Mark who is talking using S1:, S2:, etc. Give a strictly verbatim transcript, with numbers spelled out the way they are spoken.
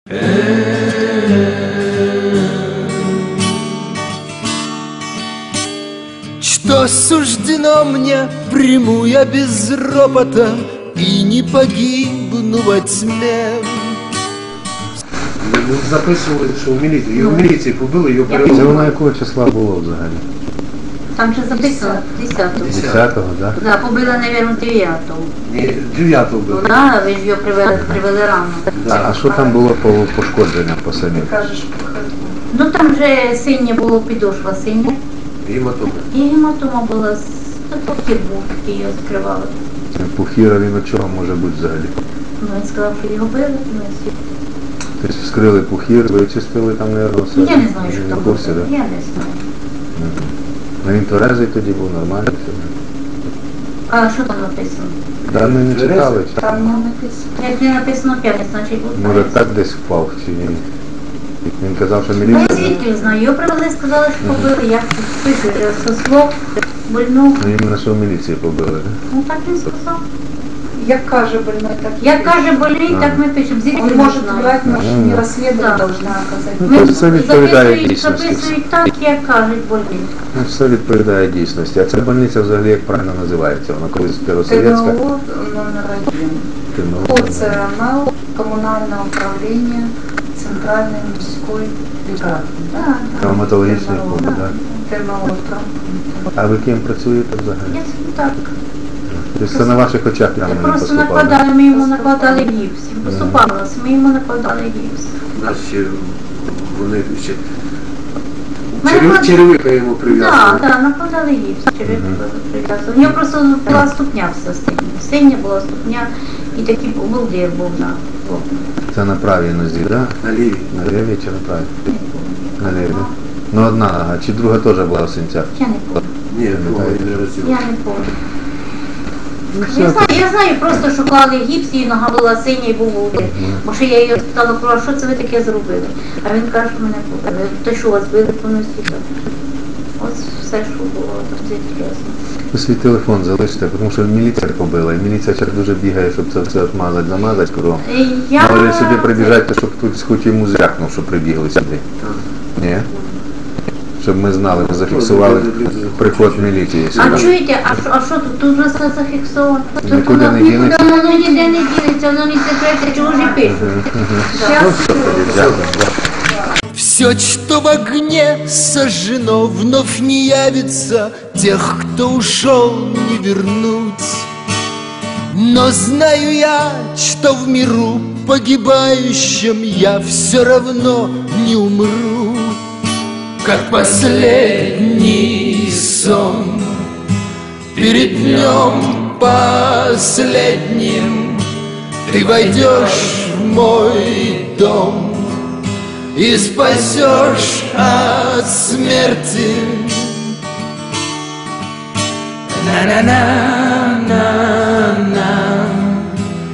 S1: Что суждено мне, приму я без ропота и не погибну во тьме.
S2: Ну, записували, що в міліції. Його в міліції побили, його
S3: Це
S2: перевели.
S3: воно якого числа було взагалі?
S4: Там же записано десятого.
S3: десятого, так?
S4: Да, побила, мабуть, дев'ятого.
S2: Ні, дев'ятого
S4: Ну,
S2: били.
S4: да, ви ж його привели, привели рано.
S3: А що там було по пошкодженням по самим?
S4: Ну там же синє було, підошва синя.
S2: Гематома.
S4: І гематома була, з пухір був, який його скривали.
S3: Пухіра він від чого може бути взагалі?
S4: Ну, він сказав, що його били. Ну, і
S3: Тобто вскрили пухір, вичистили там, мабуть, все?
S4: я не знаю, що
S3: Не
S4: там
S3: в
S4: було.
S3: курсі, так?
S4: Я не знаю.
S3: Ну він тверезий тоді був, нормально все.
S4: А що там написано?
S3: Да, ми не читали. чи-
S4: Там не написано. Як не написано п'ять, значить був.
S3: Може так десь впав чи ні? Він казав, що
S4: Ну, я
S3: міліція...
S4: звідки знаю. Його привели, сказали, що побили. Я пишу, що со слов больну.
S3: Ну іменно що в міліції побили, так?
S4: Ну так він сказав.
S5: Як каже больной, так
S4: Як каже болить, так ми пишемо. Звідки
S5: он
S4: ми
S5: может
S4: знаємо?
S5: врать, может
S3: Ну,
S5: не
S3: да.
S5: расследовать
S4: Да.
S5: должна оказать.
S3: Ну, то все відповідає
S4: Записують,
S3: дійсності.
S4: записують так, як кажуть болить.
S3: Ну, все відповідає дійсності. А ця больниця взагалі як правильно називається? Вона колись Первосовєтська?
S5: ТНО номер один.
S3: ТНО.
S5: По ЦРМЛ, коммунальное управление Центральной мужской лікарні.
S4: Да,
S3: Травматологічний фонд, так?
S5: ТНО травматологічний.
S3: А ви ким працюєте взагалі?
S4: Я так.
S3: Тобто це на ваших очах прямо не
S4: Просто
S3: поступало?
S4: накладали, ми йому накладали гіпс. Поступалося, ми йому накладали гіпс.
S2: Наші вони ще...
S4: Ми
S2: Черев-
S4: наклад-
S2: Черевика йому прив'язали.
S4: Так, так, накладали гіпс, череп прив'язували. У нього просто була ступня вся синя. Синя була ступня і такий волдир був на лопні.
S3: Це на правій нозі, так?
S2: На лівій.
S3: На лівій чи на правій? На лівій, так? Ну одна нога, чи друга теж була в синцях?
S4: Я не пам'ятаю.
S2: Ні, другого не разів.
S4: Я не пам'ятаю.
S3: Ну,
S4: Я
S3: все.
S4: знаю, я знаю просто, що клали гіпс, і нога була синя і був волдир. Бо ще я її спитала, про що це ви таке зробили? А він каже, що мене побили. То що вас били по носі? Ось все, що було, там це ясно.
S3: Ви свій телефон залиште, тому що міліція побила, і міліція зараз дуже бігає, щоб це все отмазати, замазати кругом.
S4: Я...
S3: Може сюди прибіжати, щоб хтось хоч йому зрякнув, щоб прибігли сюди. Ні? Щоб ми знали, ми зафіксували приход міліції
S4: А
S3: сюди.
S4: чуєте, а що, а що тут? Тут вже все зафіксовано. Тут
S3: Нікуди
S4: воно-
S3: не дінеться?
S4: Нікуди воно ніде не дінеться, воно не секрети, чого ж і пишуть.
S3: Ну, все тоді, дякую.
S1: Все, что в огне сожжено, вновь не явится, тех, кто ушел, не вернуть. Но знаю я, что в миру погибающем я все равно не умру. Как последний сон, перед днем последним ты войдешь в мой дом и спасешь от смерти. На-на-на.